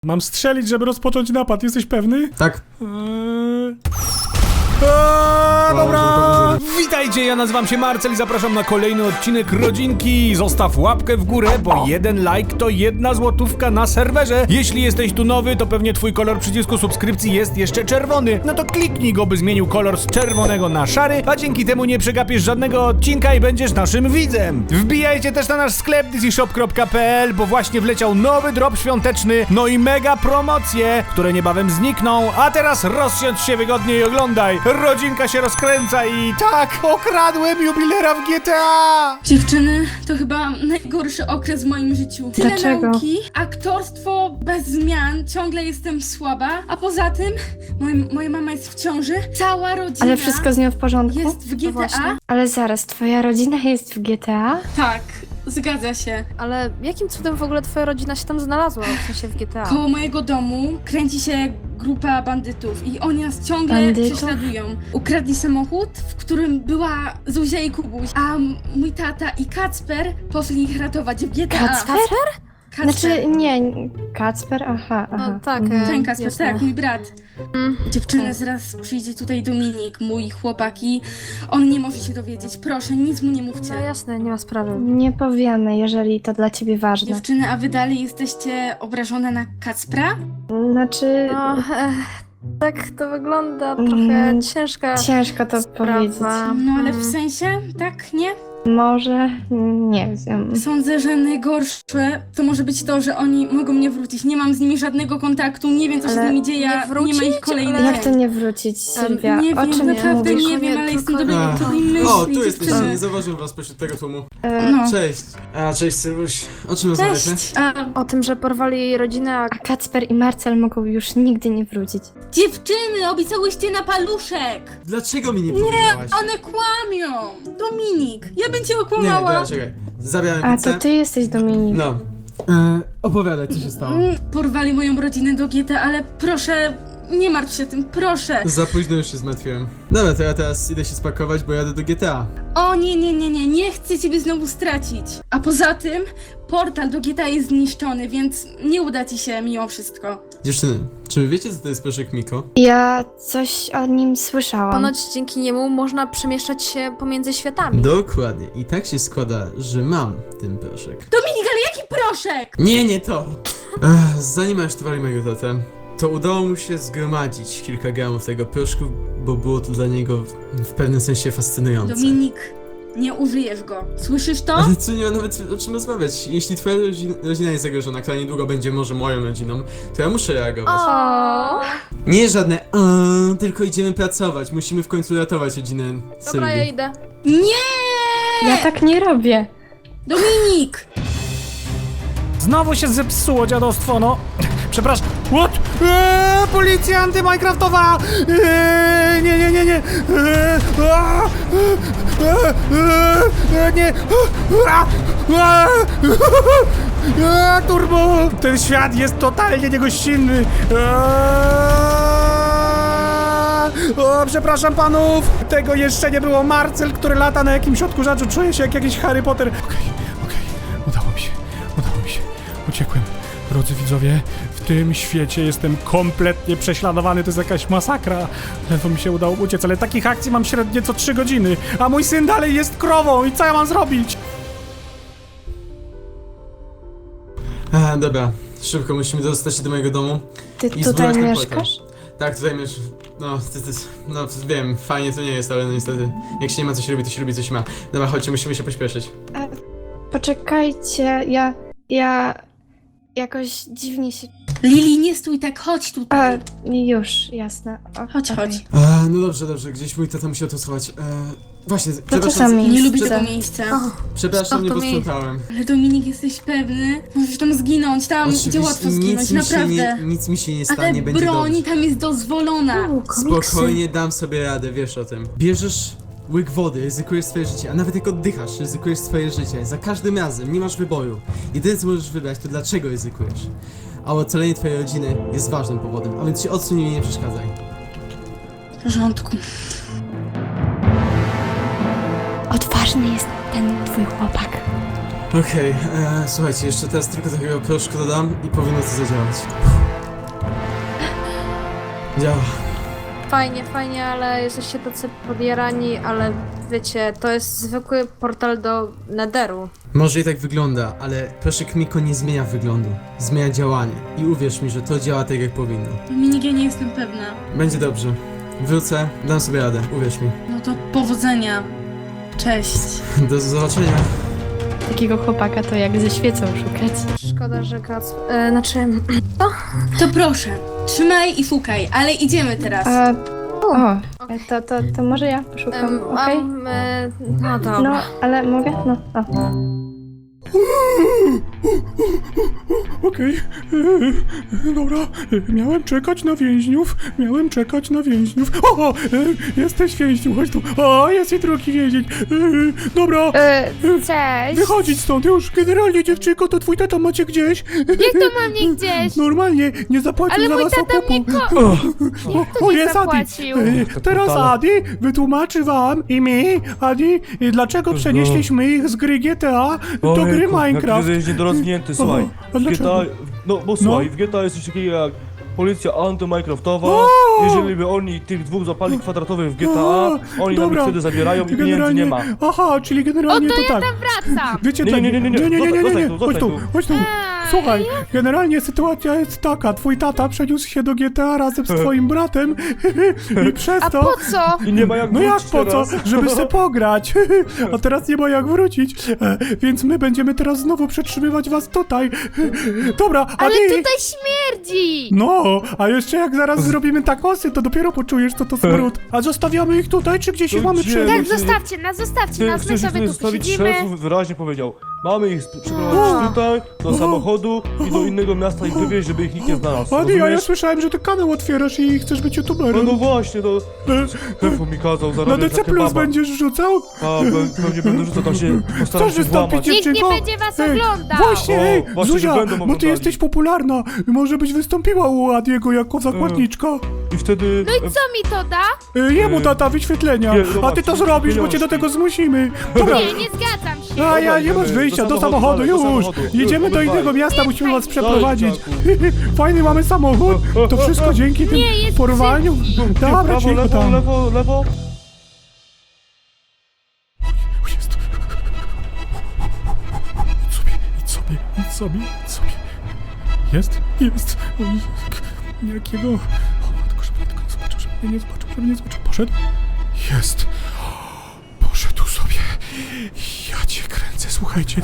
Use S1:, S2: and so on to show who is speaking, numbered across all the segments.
S1: Mam strzelić, żeby rozpocząć napad. Jesteś pewny?
S2: Tak.
S1: Dobra! Witajcie, ja nazywam się Marcel i zapraszam na kolejny odcinek Rodzinki. Zostaw łapkę w górę, bo jeden like to 1 złotówka na serwerze. Jeśli jesteś tu nowy, to pewnie twój kolor przycisku subskrypcji jest jeszcze czerwony. No to kliknij go, by zmienił kolor z czerwonego na szary, a dzięki temu nie przegapisz żadnego odcinka i będziesz naszym widzem. Wbijajcie też na nasz sklep dcshop.pl, bo właśnie wleciał nowy drop świąteczny, no i mega promocje, które niebawem znikną. A teraz rozsiądź się wygodnie i oglądaj. Rodzinka się rozkręca i tak, okradłem jubilera w GTA!
S3: Dziewczyny, to chyba najgorszy okres w moim życiu. Tyle
S4: Dlaczego?
S3: nauki, aktorstwo bez zmian, ciągle jestem słaba, a poza tym moja mama jest w ciąży, cała rodzina
S4: Ale wszystko z nią w porządku?
S3: jest w GTA.
S4: właśnie. Ale zaraz, twoja rodzina jest w GTA?
S3: Tak, zgadza się.
S5: Ale jakim cudem w ogóle twoja rodzina się tam znalazła, w sensie w GTA?
S3: Koło mojego domu kręci się grupa bandytów i oni nas ciągle
S4: Bandytów?
S3: prześladują. Ukradli samochód, w którym była Zuzia i Kubuś, a mój tata i Kacper poszli ich ratować w GTA.
S4: Kacper?
S3: Kacper.
S4: Znaczy, nie, Kacper, aha.
S5: No tak,
S3: Ten Kacper,
S5: jasne.
S3: tak, mój brat. Dziewczyny, zaraz przyjdzie tutaj Dominik, mój chłopak i on nie może się dowiedzieć. Proszę, nic mu nie mówcie.
S5: No jasne, nie ma sprawy.
S4: Nie powiemy, jeżeli to dla ciebie ważne.
S3: Dziewczyny, a wy dalej jesteście obrażone na Kacpra?
S4: Znaczy,
S5: No, tak to wygląda, trochę ciężka
S4: ciężko to powiedzieć.
S5: sprawa.
S3: No ale w sensie, tak, nie?
S4: Może, nie wiem.
S3: Sądzę, że najgorsze to może być to, że oni mogą nie wrócić. Nie mam z nimi żadnego kontaktu, nie wiem co się
S4: Ale
S3: z nimi dzieje,
S5: nie
S3: nie ma ich
S5: wrócić?
S3: kolejny
S5: Ale-
S4: Jak to nie wrócić, Sylwia?
S3: Nie
S4: O
S3: wiem,
S4: czym
S3: naprawdę
S4: mówisz?
S3: nie wiem, ale jestem do
S2: Ach.
S3: tej myśli.
S2: O, tu jesteście,
S3: dziewczyny.
S2: nie zauważyłem was pośród tego tłumu.
S3: No.
S2: Cześć. Cześć Sylwuś. O czym rozmawiacie?
S3: Cześć! A,
S5: O tym, że porwali jej rodzinę, a
S4: A Kacper i Marcel mogą już nigdy nie wrócić.
S3: dziewczyny, obiecałyście na paluszek!
S2: Dlaczego mi nie powiedziałaś?
S3: One kłamią! Dominik, ja bym cię
S2: Nie,
S3: okłamała!
S2: dobra, czekaj. Zabieramy
S4: A
S2: pizzę.
S4: to ty jesteś Dominik.
S2: No. Opowiadaj, co się stało.
S3: Porwali moją rodzinę do GTA, ale proszę, nie martw się tym, proszę!
S2: Za późno już się zmartwiłem. Dobra, to ja teraz idę się spakować, bo jadę do GTA.
S3: O nie chcę ciebie znowu stracić! A poza tym, portal do GTA jest zniszczony, więc nie uda ci się mimo wszystko.
S2: Dziewczyny, czy wy wiecie, co to jest proszek Miko?
S4: Ja coś o nim słyszałam.
S5: ponoć dzięki niemu można przemieszczać się pomiędzy światami.
S2: Dokładnie. I tak się składa, że mam ten proszek.
S3: Dominik, ale jaki proszek!
S2: Nie to! Zanim aresztowali mojego tatę, to udało mu się zgromadzić kilka gramów tego proszku, bo było to dla niego w pewnym sensie fascynujące.
S3: Dominik, nie użyjesz go. Słyszysz to?
S2: Ale co, nie ma nawet o czym rozmawiać. Jeśli twoja rodzina jest zagrożona, która niedługo będzie może moją rodziną, to ja muszę reagować.
S5: O,
S2: Nie żadne tylko idziemy pracować. Musimy w końcu ratować rodzinę
S5: dobra, ja
S2: Sylwii.
S5: idę.
S3: Nie!
S4: Ja tak nie robię.
S3: Dominik!
S1: Znowu się zepsuło dziadostwo, no. Przepraszam. What? Policja antyminecraftowa! Nie. Nie. Turbo! Ten świat jest totalnie niegościnny. O, przepraszam panów! Tego jeszcze nie było. Marcel, który lata na jakimś odkurzaczu. Czuję się jak jakiś Harry Potter. Okej. Udało mi się. Uciekłem. Drodzy widzowie, w tym świecie jestem kompletnie prześladowany, to jest jakaś masakra. Ledwo mi się udało uciec, ale takich akcji mam średnio co 3 godziny, a mój syn dalej jest krową i co ja mam zrobić?
S2: Dobra, szybko musimy dostać się do mojego domu.
S4: Ty
S2: I
S4: tutaj
S2: zbudować ten
S4: mieszkasz?
S2: Tak, tutaj mieszkam. No, wiem, fajnie to nie jest, ale no niestety, jak się nie ma co się lubi, to się lubi co się ma. Dobra, chodźcie, musimy się pośpieszyć.
S4: Poczekajcie, ja jakoś dziwnie się...
S3: Lili, nie stój tak, chodź tutaj.
S4: Już, jasne.
S3: Chodź.
S2: No dobrze, gdzieś mój tata musiał to schować. Właśnie,
S4: To
S2: przepraszam,
S4: czasami
S3: Nie
S4: jest
S3: lubię
S4: tak.
S3: tego miejsca.
S2: przepraszam, nie
S5: to miejsce.
S2: posprzątałem.
S3: Ale Dominik, jesteś pewny? Możesz tam zginąć, tam idzie łatwo zginąć, naprawdę.
S2: Nic mi się nie stanie,
S3: Ale
S2: będzie
S3: broń
S2: dobrze.
S3: tam jest dozwolona.
S2: Spokojnie dam sobie radę, wiesz o tym. Bierzesz łyk wody, ryzykujesz swoje życie, a nawet jak oddychasz, ryzykujesz swoje życie. Za każdym razem, nie masz wyboru. Jedyne co możesz wybrać, to dlaczego ryzykujesz. A ocalenie twojej rodziny jest ważnym powodem, a więc się odsuń i nie przeszkadzaj.
S3: W porządku.
S4: Odważny jest ten twój chłopak.
S2: Okej, słuchajcie, jeszcze teraz tylko takiego proszku dodam i powinno to zadziałać. Działa.
S5: Fajnie, ale jesteście tacy podjarani, ale wiecie, to jest zwykły portal do Netheru.
S2: Może i tak wygląda, ale proszek Miko nie zmienia wyglądu. Zmienia działanie. I uwierz mi, że to działa tak jak powinno.
S3: Dominik, ja nie jestem pewna.
S2: Będzie dobrze. Wrócę, dam sobie radę, uwierz mi.
S3: No to powodzenia. Cześć.
S2: Do zobaczenia.
S4: Takiego chłopaka to jak ze świecą szukać.
S5: Szkoda, że Kac... Znaczy...
S3: To proszę, trzymaj i szukaj, ale idziemy teraz.
S4: To może ja poszukam, okej?
S5: No dobra.
S4: No, ale mogę? No,
S1: Okej, dobra, miałem czekać na więźniów, O, jesteś więźniu, chodź tu. O, jest i drugi więzień. Dobra,
S4: Cześć!
S1: wychodzić stąd już. Generalnie, dziewczynko, to twój tata macie gdzieś.
S4: Jak to mam nie gdzieś?
S1: Normalnie, nie zapłacił
S4: Ale
S1: za
S4: mój
S1: was
S4: tata
S1: okupu.
S4: mnie
S1: O,
S4: nie
S1: jest Adi.
S4: zapłacił?
S1: Teraz Adi wytłumaczy wam i mi, Adi, dlaczego przenieśliśmy ich z gry GTA do gry Minecraft.
S6: Jak jest niedorozwinięty, słuchaj.
S1: a
S6: W
S1: dlaczego?
S6: GTA, no bo słuchaj, w GTA jest coś takiego jak policja anty-minecraftowa. Jeżeli by oni tych dwóch zapali kwadratowych w GTA, oni nam ich
S1: dobra.
S6: wtedy zabierają i pieniędzy
S1: Generalnie-
S6: nie ma.
S1: Aha, czyli generalnie
S4: to
S1: to
S4: ja
S1: tak.
S4: tam wracam!
S1: Wiecie,
S6: Nie,
S1: tak-
S6: nie, nie, nie, nie. Zostań tu,
S1: chodź tu,
S6: zostań
S1: chodź tu. Słuchaj, generalnie sytuacja jest taka, twój tata przeniósł się do GTA razem z twoim bratem i przez
S4: A
S1: to...
S4: po co?
S6: I nie ma jak
S1: No jak
S6: wrócić
S1: po co?
S6: teraz.
S1: Żeby se pograć. A teraz nie ma jak wrócić. Więc my będziemy teraz znowu przetrzymywać was tutaj. Dobra,
S4: Ale
S1: Adi!
S4: tutaj śmierdzi!
S1: No, a jeszcze jak zaraz zrobimy takosy, to dopiero poczujesz, co to smród. A zostawiamy ich tutaj, czy gdzieś ich
S6: To
S1: mamy
S6: gdzie?
S1: przenieść?
S4: Tak, zostawcie
S6: Ty
S4: nas, my
S6: chcesz
S4: sobie
S6: ich
S4: tu
S6: zostawić,
S4: siedzimy.
S6: szef wyraźnie powiedział. Mamy ich przeprowadzić tutaj, do samochodu i do innego miasta ich wywieźć, żeby ich nikt nie znalazł.
S1: Adi, a ja
S6: Rozumiesz?
S1: słyszałem, że ty kanał otwierasz i chcesz być
S6: No,
S1: youtuberem.
S6: no właśnie, to Szefo mi kazał
S1: Na
S6: zarabiać
S1: DC
S6: za
S1: Plus
S6: kebaba.
S1: będziesz rzucał?
S6: A, pewnie będę rzucał, tam się postaram
S1: Chcesz
S6: się
S1: wystąpić,
S6: włamać.
S4: Nikt nie
S1: dziewczynko?
S4: będzie was
S1: Ej,
S4: oglądał!
S1: Właśnie,
S6: O,
S1: ej,
S6: właśnie,
S1: Zuzia,
S6: że będą
S1: bo ty
S6: oglądali.
S1: jesteś popularna. Może byś wystąpiła u Adiego jako zakładniczka.
S6: I wtedy...
S4: No i co mi to da?
S1: Jemu tata wyświetlenia.
S6: nie,
S1: A ty
S6: zobacz,
S1: to zrobisz, bo cię do
S6: pieniążki.
S1: tego zmusimy. Dobra.
S4: Nie, nie zgadzam się!
S1: A ja nie
S6: Dobra,
S1: masz
S6: idziemy
S1: wyjścia,
S6: do
S1: do
S6: samochodu,
S1: samochodu,
S6: dalej, do
S1: już!
S6: samochodu.
S1: Jedziemy do
S6: Obydwaj.
S1: innego miasta, musimy was przeprowadzić.
S6: Dalej,
S1: Fajny mamy samochód, to wszystko dzięki tym
S4: Nie, jest
S1: porwaniu. Dobra,
S6: Prawo,
S1: cicho
S6: lewo,
S1: tam.
S6: lewo.
S1: Jest. Idź sobie. Jest. O, jakiego... O, tylko żeby mnie tylko nie zobaczył, Poszedł. Jest. Poszedł sobie. Ja cię kręcę, słuchajcie.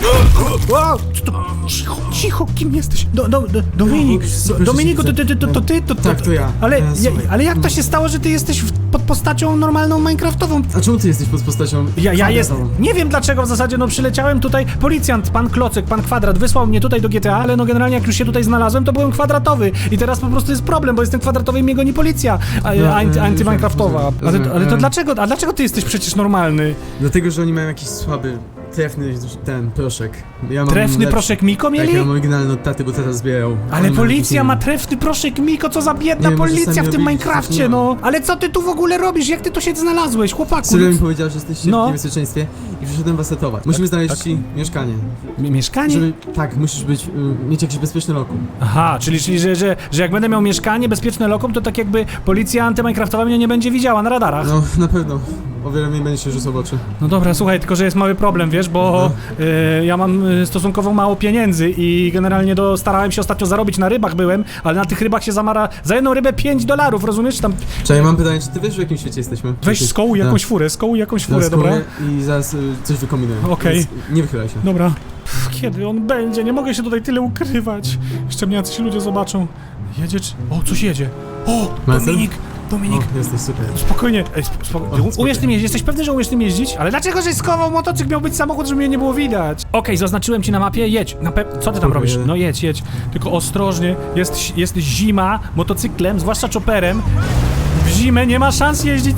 S1: Cicho, kim jesteś? Dominik, Dominiku, to ty?
S2: Tak, to ja.
S1: Ale,
S2: Słuchaj.
S1: ale jak to się stało, że ty jesteś pod postacią normalną minecraftową?
S2: A czemu ty jesteś pod postacią?
S1: Ja jest.
S2: kwadratową?
S1: Nie wiem dlaczego w zasadzie, no przyleciałem tutaj. Policjant, pan Klocek, pan Kwadrat wysłał mnie tutaj do GTA, ale no generalnie jak już się tutaj znalazłem, to byłem kwadratowy. I teraz po prostu jest problem, bo jestem kwadratowy i mnie goni policja anty-minecraftowa. Ale to dlaczego? A dlaczego ty jesteś przecież normalny?
S2: Dlatego, że oni mają jakiś słaby, trefny ten proszek. Ja mam
S1: Trefny
S2: lepszy.
S1: proszek Miko
S2: Tak,
S1: mieli?
S2: ja mam oryginalny od taty, bo tata zbierał.
S1: Ale
S2: Oni mają
S1: policja
S2: jakiś
S1: ma
S2: inny.
S1: trefny proszek Miko, co za biedna
S2: Nie, może
S1: policja
S2: sami
S1: w tym
S2: robili,
S1: Minecrafcie,
S2: coś nie
S1: no. Ale co ty tu w ogóle robisz? Jak ty tu się znalazłeś, chłopaku?
S2: Sylo mi powiedział, że jesteście
S1: No.
S2: w niebezpieczeństwie i przyszedłem was ratować. Musimy znaleźć ci mieszkanie.
S1: Mieszkanie?
S2: Żeby, tak, musisz być, mieć jakieś bezpieczne lokum.
S1: Aha, czyli że jak będę miał mieszkanie, bezpieczne lokum, to tak jakby policja antyminecraftowa mnie nie będzie widziała na radarach.
S2: No, na pewno. O wiele mniej będzie się rzucał w oczy.
S1: No dobra, słuchaj, tylko że jest mały problem, wiesz, bo ja mam stosunkowo mało pieniędzy i generalnie starałem się ostatnio zarobić na rybach byłem, ale na tych rybach się zamara za jedną rybę $5, rozumiesz? Tam
S2: Czekaj, mam pytanie, czy ty wiesz, w jakim świecie jesteśmy?
S1: weź skołuj jakąś furę,
S2: Zaraz
S1: dobra?
S2: kołuję I zaraz coś wykombinuję.
S1: Okej.
S2: Więc nie wychylaj się.
S1: Dobra. Kiedy on będzie? Nie mogę się tutaj tyle ukrywać. Jeszcze mnie jacyś ludzie zobaczą. Jedzie czy... O, coś jedzie. O,
S2: Marcel?
S1: Dominik.
S2: O, jesteś super.
S1: Spokojnie,
S2: spokojnie.
S1: umiesz tym jeździć, jesteś pewny, że umiesz tym jeździć? Ale dlaczego żeś schował motocykl? Miał być samochód, żeby mnie nie było widać. Okej, zaznaczyłem ci na mapie, jedź. Co ty tam robisz?
S2: Jedę.
S1: No jedź. Tylko ostrożnie, jest zima, motocyklem, zwłaszcza chopperem. W zimę nie ma szans jeździć.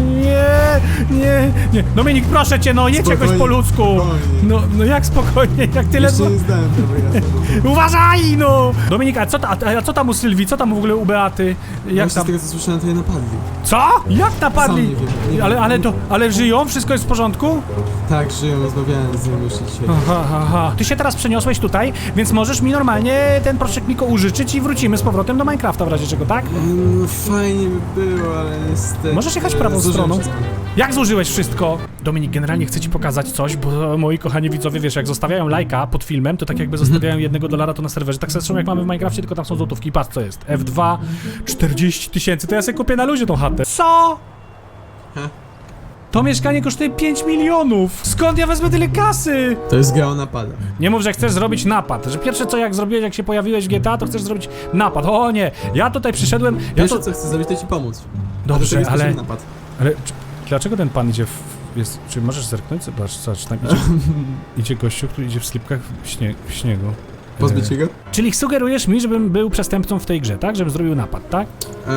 S1: Nie. Dominik, proszę cię, no jedź
S2: Spokojnie,
S1: jakoś po ludzku.
S2: spokojnie.
S1: No jak spokojnie, jak tyle...
S2: Jeszcze nie zdałem prawa jazdy.
S1: Uważaj, no! Dominik, a co tam u Sylwii? Co tam w ogóle u Beaty? Jak
S2: Jak
S1: tam?
S2: z tego co słyszałem, to je napadli.
S1: Co? Jak napadli?
S2: Sam nie wiem.
S1: Ale żyją? Wszystko jest w porządku?
S2: Tak, żyją, rozmawiałem z nim jeszcze dzisiaj.
S1: Aha. Ty się teraz przeniosłeś tutaj, więc możesz mi normalnie ten proszek Miko użyczyć i wrócimy z powrotem do Minecrafta w razie czego, tak?
S2: No fajnie by było, ale niestety...
S1: Możesz jechać prawą
S2: zużyłem
S1: stroną.
S2: wszystko.
S1: Jak zużyłeś wszystko? Dominik, generalnie chcę ci pokazać coś, bo moi kochani widzowie, wiesz, jak zostawiają lajka pod filmem, to tak jakby zostawiają $1 to na serwerze. Tak zresztą jak mamy w Minecrafcie, tylko tam są złotówki. Patrz co jest. F2, 40 000, to ja sobie kupię na luzie tą chatę. Co?
S2: He?
S1: To mieszkanie kosztuje 5 milionów! Skąd ja wezmę tyle kasy?
S2: To jest gra o napadach.
S1: Nie mów, że chcesz zrobić napad. Że pierwsze co jak zrobiłeś, jak się pojawiłeś w GTA, to chcesz zrobić napad. O nie, ja tutaj przyszedłem...
S2: Pierwsze co chcę zrobić, to ci pomóc.
S1: Dobrze,
S2: A do tego jest
S1: ale...
S2: też napad.
S1: Ale dlaczego ten pan idzie czy możesz zerknąć? Zobacz, tam idzie gościu, który idzie w slipkach w śniegu.
S2: Pozbyć się go?
S1: Czyli sugerujesz mi, żebym był przestępcą w tej grze, tak? Żebym zrobił napad, tak?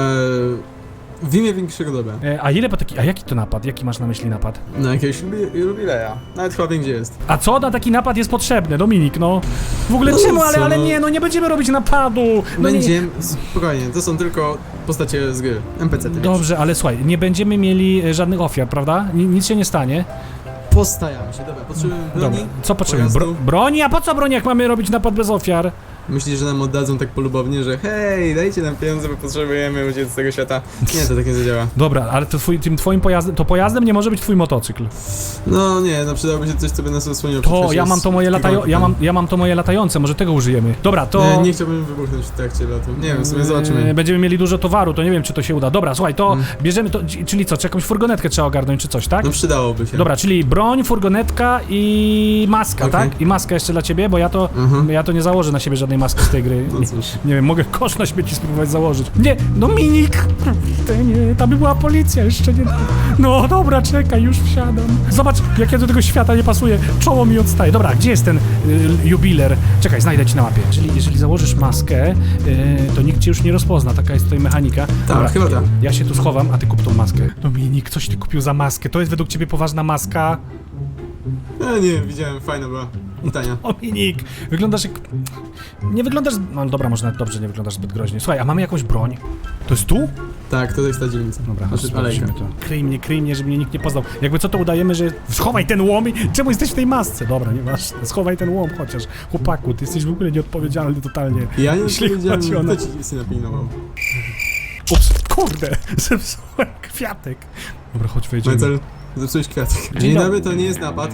S2: W imię większego dobra.
S1: A jaki to napad? Jaki masz na myśli napad?
S2: Na jakiegoś jubileja. Nawet chyba wiem gdzie jest.
S1: A co na taki napad jest potrzebne, Dominik, no? W ogóle
S2: No
S1: czemu?
S2: co,
S1: Ale
S2: no.
S1: nie, no nie będziemy robić napadu! No nie.
S2: Będziemy... Spokojnie, to są tylko postacie z gry. NPC-ty.
S1: Dobrze, ale słuchaj, nie będziemy mieli żadnych ofiar, prawda? Nic się nie stanie.
S2: Postajamy się, dobra. Potrzebujemy broni.
S1: Dobra, co potrzebujemy?
S2: pojazdu.
S1: Broni? A po co broni, jak mamy robić napad bez ofiar?
S2: Myślisz, że nam oddadzą tak polubownie, że hej, dajcie nam pieniądze, bo potrzebujemy uciec z tego świata. Nie, to tak nie zadziała.
S1: Dobra, ale to tym twoim pojazdem, to pojazdem nie może być twój motocykl.
S2: No nie, no przydałoby się coś, co by nas osłoniło. przed
S1: To ja
S2: przecież
S1: mam to moje ja mam to moje latające, może tego użyjemy. Dobra, to...
S2: Nie chciałbym wybuchnąć w trakcie lotu. Nie wiem, w sumie zobaczymy.
S1: Będziemy mieli dużo towaru, to nie wiem, czy to się uda. Dobra, słuchaj, to bierzemy to, czyli co, czy jakąś furgonetkę trzeba ogarnąć, czy coś, tak?
S2: No przydałoby się.
S1: Dobra, czyli broń, furgonetka i maska,
S2: Okej.
S1: tak? I maska jeszcze dla ciebie, bo ja to nie założę na siebie żadnej maski z tej gry.
S2: No cóż.
S1: Nie wiem, mogę kosz na śmieci spróbować założyć. Nie, Dominik! Nie, tam by była policja, jeszcze nie... No dobra, czekaj, już wsiadam. Zobacz, jak ja do tego świata nie pasuję. Czoło mi odstaje. Dobra, gdzie jest ten jubiler? Czekaj, znajdę ci na mapie. Jeżeli założysz maskę, to nikt cię już nie rozpozna, taka jest tutaj mechanika.
S2: Tak, chyba tak.
S1: Ja się tu schowam, a ty kup tą maskę. Dominik, coś ty kupił za maskę? To jest według ciebie poważna maska?
S2: Nie, widziałem, fajna była. I tania.
S1: Dominik, wyglądasz jak... Nie wyglądasz... No dobra, może nawet dobrze, nie wyglądasz zbyt groźnie. Słuchaj, a mamy jakąś broń? To jest tu?
S2: Tak, to jest ta dzielnica.
S1: Dobra, chodź,
S2: Znaczy,
S1: sprawdzimy
S2: alejka.
S1: to. Kryj mnie, żeby mnie nikt nie poznał. Jakby co to udajemy, że... Schowaj ten łom i... Czemu jesteś w tej masce? Dobra, nieważne. Schowaj ten łom chociaż. Chłopaku, ty jesteś w ogóle nieodpowiedzialny totalnie.
S2: Ja nie
S1: Jeśli
S2: powiedziałem,
S1: chodzi o
S2: kto ci się napilnował.
S1: Ups, kurde, zepsułem kwiatek. Dobra, chodź, wejdziemy.
S2: Mencel, zepsułeś kwiatek.
S1: Dzień
S2: Dzień
S1: dobry.
S2: dobry, to nie jest napad.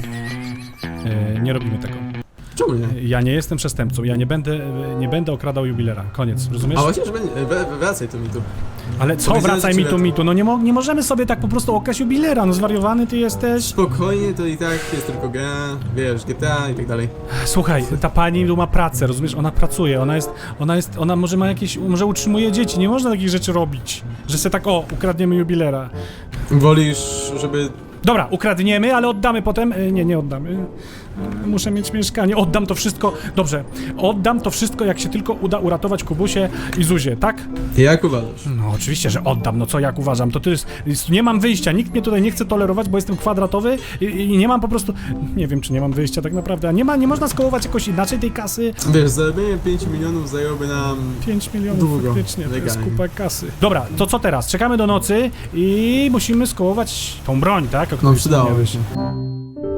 S1: Nie robimy tego.
S2: Czemu nie?
S1: Ja nie jestem przestępcą, ja nie będę okradał jubilera. Koniec, rozumiesz?
S2: A chociaż wracaj tu mi tu.
S1: Ale co,
S2: Powiedziałem,
S1: wracaj
S2: że
S1: mi
S2: ci
S1: tu,
S2: lecę.
S1: mi tu, no nie możemy sobie tak po prostu okraść jubilera, no zwariowany ty jesteś.
S2: Spokojnie, to i tak jest tylko gra, wiesz, GTA i tak dalej.
S1: Słuchaj, ta pani tu ma pracę, rozumiesz? Ona pracuje, ona może ma jakieś, może utrzymuje dzieci, nie można takich rzeczy robić. Że se tak, ukradniemy jubilera.
S2: Wolisz, żeby...
S1: Dobra, ukradniemy, ale oddamy potem. Nie oddamy. Muszę mieć mieszkanie. Oddam to wszystko. Dobrze, oddam to wszystko, jak się tylko uda uratować Kubusię i Zuzię, tak?
S2: Jak uważasz?
S1: No oczywiście, że oddam. No co jak uważam? To jest nie mam wyjścia. Nikt mnie tutaj nie chce tolerować, bo jestem kwadratowy i nie mam po prostu... Nie wiem, czy nie mam wyjścia tak naprawdę. A nie można skołować jakoś inaczej tej kasy.
S2: Wiesz, zarobienie 5 milionów zajęłoby nam...
S1: 5 milionów
S2: Długo,
S1: faktycznie, to jest
S2: legalnie.
S1: kupa kasy. Dobra, to co teraz? Czekamy do nocy i musimy skołować tą broń, tak? O której
S2: No przydałoby
S1: wspomniałeś.
S2: się.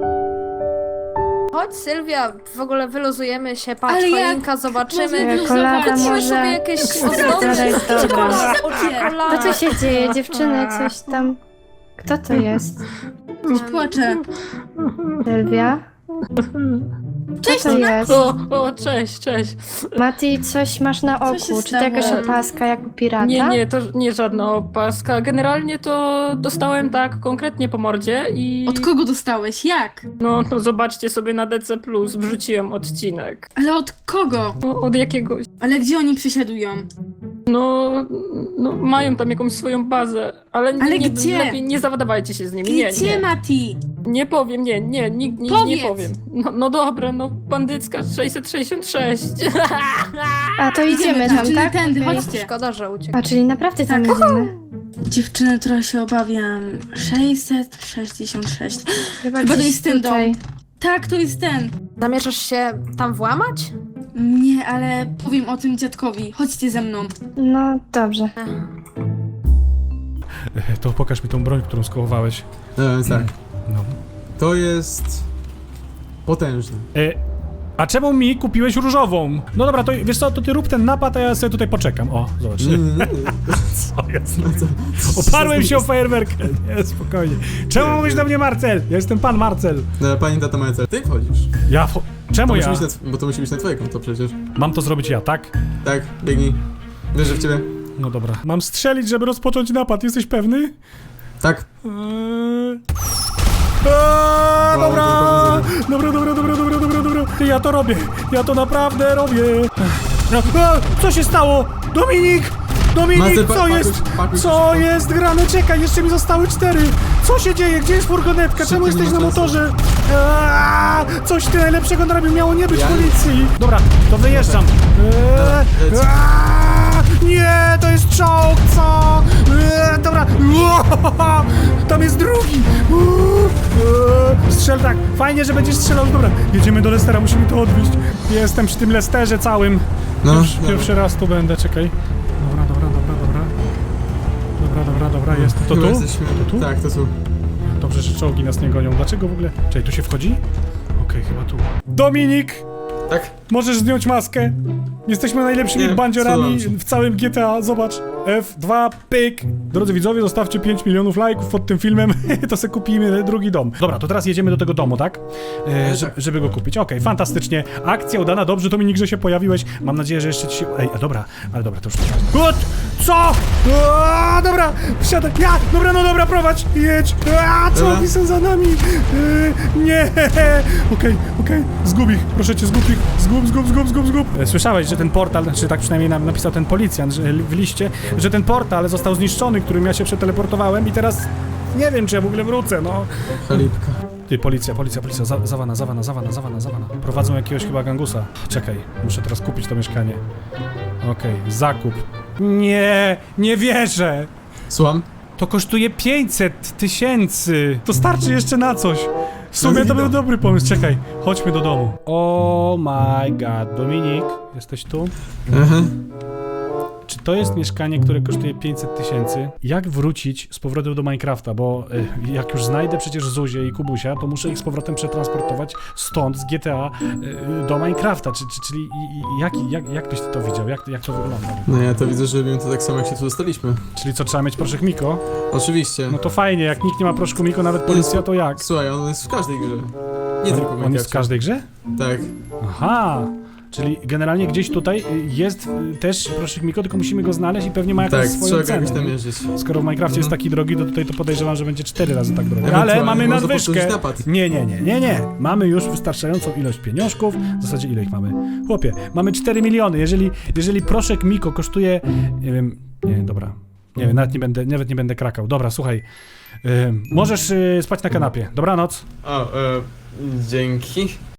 S5: Chodź Sylwia, w ogóle wyluzujemy się, patrz,
S3: Ale jak
S5: choinka, zobaczymy.
S3: można
S4: Kolada
S5: Kupimy
S4: może...
S5: sobie jakieś
S4: Czekolada
S5: ozdoby.
S4: jest dobra.
S5: Czekolada,
S4: Co tu się dzieje, dziewczyny? Coś tam... Kto to jest?
S3: Coś płacze.
S4: Sylwia?
S3: Cześć,
S4: Co to jest?
S7: Cześć.
S4: Mati, coś masz na
S3: Co się
S4: oku. Czy to jakaś
S3: stało?
S4: opaska jak u pirata?
S7: Nie, to nie żadna opaska. Generalnie to dostałem tak konkretnie po mordzie i...
S3: Od kogo dostałeś? Jak?
S7: No zobaczcie sobie na DC+, wrzuciłem odcinek.
S3: Ale od kogo?
S7: No, od jakiegoś...
S3: Ale gdzie oni przesiadują?
S7: No, mają tam jakąś swoją bazę, ale
S3: Ale
S7: nie,
S3: gdzie?
S7: lepiej nie zawładawajcie się z nimi.
S3: Gdzie, Mati?
S7: Nie powiem, nie
S3: Powiedz.
S7: powiem. No dobra, no bandycka 666.
S4: A to idziemy tam,
S3: czyli
S4: tak?
S3: tędy,
S4: Okej.
S3: chodźcie.
S5: Szkoda, że uciekł.
S4: A, czyli naprawdę tam
S3: Tak.
S4: idziemy.
S3: Dziewczyny, trochę się obawiam. 666. Chyba to
S4: gdzieś
S3: jest ten dom.
S4: tutaj.
S3: Tak, to jest ten.
S5: Zamierzasz się tam włamać?
S3: Nie, ale powiem o tym dziadkowi. Chodźcie ze mną.
S4: No dobrze.
S1: To pokaż mi tą broń, którą skołowałeś.
S2: Tak.
S1: No.
S2: To jest... potężne.
S1: A czemu mi kupiłeś różową? No dobra, to wiesz co, to ty rób ten napad, a ja sobie tutaj poczekam. O, zobacz. Co jest? Oparłem się o fajerwerkę. Nie, spokojnie. Czemu mówisz do mnie Marcel? Ja jestem pan Marcel.
S2: No, pani tata Marcel, ty wchodzisz.
S1: Czemu
S2: To
S1: ja?
S2: musi być bo to musi być na twoje konto przecież.
S1: Mam to zrobić ja, tak?
S2: Tak, biegnij. Wierzę w ciebie.
S1: No dobra. Mam strzelić, żeby rozpocząć napad. Jesteś pewny?
S2: Tak.
S1: Dobra! Dobra. Ty, ja to robię. Ja to naprawdę robię. Co się stało? Dominik!
S2: Marcel,
S1: Co jest?
S2: pakuj się
S1: Co
S2: szybko.
S1: jest grane? Czekaj, jeszcze mi zostały 4. Co się dzieje? Gdzie jest furgonetka? Czemu
S2: Szybko, nie
S1: jesteś
S2: ma
S1: na
S2: czasu.
S1: motorze? Coś ty najlepszego narobił, miało nie być
S2: Ja-
S1: policji. Dobra, to wyjeżdżam.
S2: leć.
S1: Nie, to jest czołg, co? Dobra. Tam jest drugi. Strzel tak. Fajnie, że będziesz strzelał. Dobra, jedziemy do Lestera, musimy to odwieźć. Jestem przy tym Lesterze całym.
S2: No,
S1: Pierwszy raz tu będę, czekaj. Dobra, jest. To tu?
S2: Chyba jesteśmy...
S1: To tu?
S2: Tak, to tu.
S1: Dobrze, że czołgi nas nie gonią. Dlaczego w ogóle? Czekaj, tu się wchodzi? Okej, chyba tu. Dominik!
S2: Tak?
S1: Możesz zdjąć maskę. Jesteśmy najlepszymi
S2: Nie,
S1: bandziorami
S2: cudownie.
S1: w całym GTA. Zobacz. F2, pyk. Drodzy widzowie, zostawcie 5 milionów lajków pod tym filmem. To sobie kupimy drugi dom. Dobra, to teraz jedziemy do tego domu, tak? Żeby go kupić. Okej, fantastycznie. Akcja udana. Dobrze, Dominik, że się pojawiłeś. Mam nadzieję, że jeszcze ci się... Ej, dobra. Ale dobra, to już... Gut! Co? Dobra, wsiadaj. Dobra, prowadź. Jedź. Co
S2: Dobra.
S1: oni są za nami? Nie. Okej. Zgub ich. Proszę cię, zgub ich. Zgub. Słyszałeś, że ten portal, czy tak przynajmniej napisał ten policjant że w liście, że ten portal został zniszczony, którym ja się przeteleportowałem i teraz nie wiem, czy ja w ogóle wrócę, no.
S2: Chalipka.
S1: Ty, policja. Zawana. Prowadzą jakiegoś chyba gangusa. Czekaj, muszę teraz kupić to mieszkanie. Okej, zakup. Nie wierzę.
S2: Słucham?
S1: To kosztuje 500 000. To starczy jeszcze na coś. W sumie to był dobry pomysł. Czekaj, chodźmy do domu. Oh my god. Dominik, jesteś tu?
S2: Aha.
S1: Czy to jest mieszkanie, które kosztuje 500 000? Jak wrócić z powrotem do Minecrafta? Bo jak już znajdę przecież Zuzię i Kubusia, to muszę ich z powrotem przetransportować stąd, z GTA, do Minecrafta. Czyli jak byś ty to widział? Jak to wygląda?
S2: No ja to widzę, że robimy to tak samo, jak się tu dostaliśmy.
S1: Czyli co, trzeba mieć proszek Miko?
S2: Oczywiście.
S1: No to fajnie, jak nikt nie ma proszku Miko, nawet policja, to jak?
S2: Słuchaj, on jest w każdej grze. Nie tylko w
S1: On jest w
S2: Minecrafcie.
S1: każdej grze?
S2: Tak.
S1: Aha! Czyli generalnie gdzieś tutaj jest też proszek Miko, tylko musimy go znaleźć i pewnie ma jakąś
S2: Tak,
S1: swoją
S2: trzeba go
S1: cenę.
S2: jakoś namierzyć.
S1: Skoro w Minecrafcie jest taki drogi, to tutaj to podejrzewam, że będzie 4 razy tak drogi. Ale
S2: Ewentualnie
S1: mamy
S2: można
S1: nadwyżkę.
S2: powtórzyć napad.
S1: Nie. Mamy już wystarczającą ilość pieniążków. W zasadzie ile ich mamy? Chłopie, mamy 4 miliony. Jeżeli proszek Miko kosztuje... Nie wiem... Nie, dobra. Nie wiem, nawet nie będę krakał. Dobra, słuchaj. Możesz spać na kanapie. Dobranoc.
S2: O, dzięki.